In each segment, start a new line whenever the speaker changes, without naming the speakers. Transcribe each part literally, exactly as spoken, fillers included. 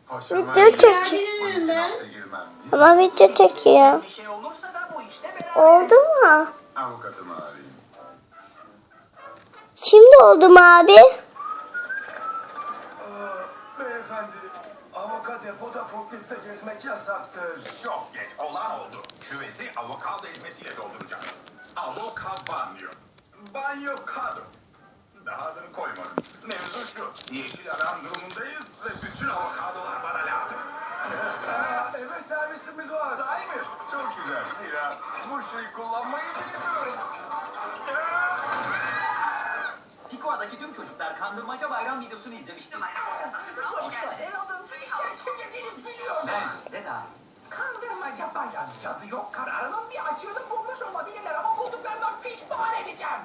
Video çekiyor. Ama video çekiyor. Oldu mu? Şimdi oldu mu abi?
Beyefendi, avokat depoda forkliftle gezmek yasaktır.
Çok geç olan oldu. Küveti avokado ezmesiyle dolduracağım. Avokado. Banyokado. Daha adını koymadım. Mevzu şu. Yeşil aram durumundayız ve bütün avokadolar bana lazım.
Aa, eve servisimiz var.
Sahi mi? Çok güzel. Zira bu şeyi kullanmayı bilmiyorum.
Pikoa'daki tüm çocuklar kandırmaca bayram videosunu izlemişti. Ben de daha.
Kandırmaca bayan cadı yok kararının bir açığını bulmuş olabilirler ama bulduklarından pişman edeceğim.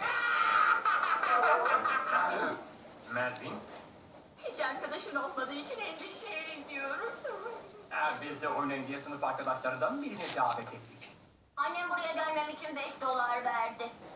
Melvin,
Hiç arkadaşın olmadığı için endişe ediyoruz.
eğer biz de oynayın diye sınıf arkadaşlarından birini davet ettik.
Annem buraya gelmem için beş dolar verdi.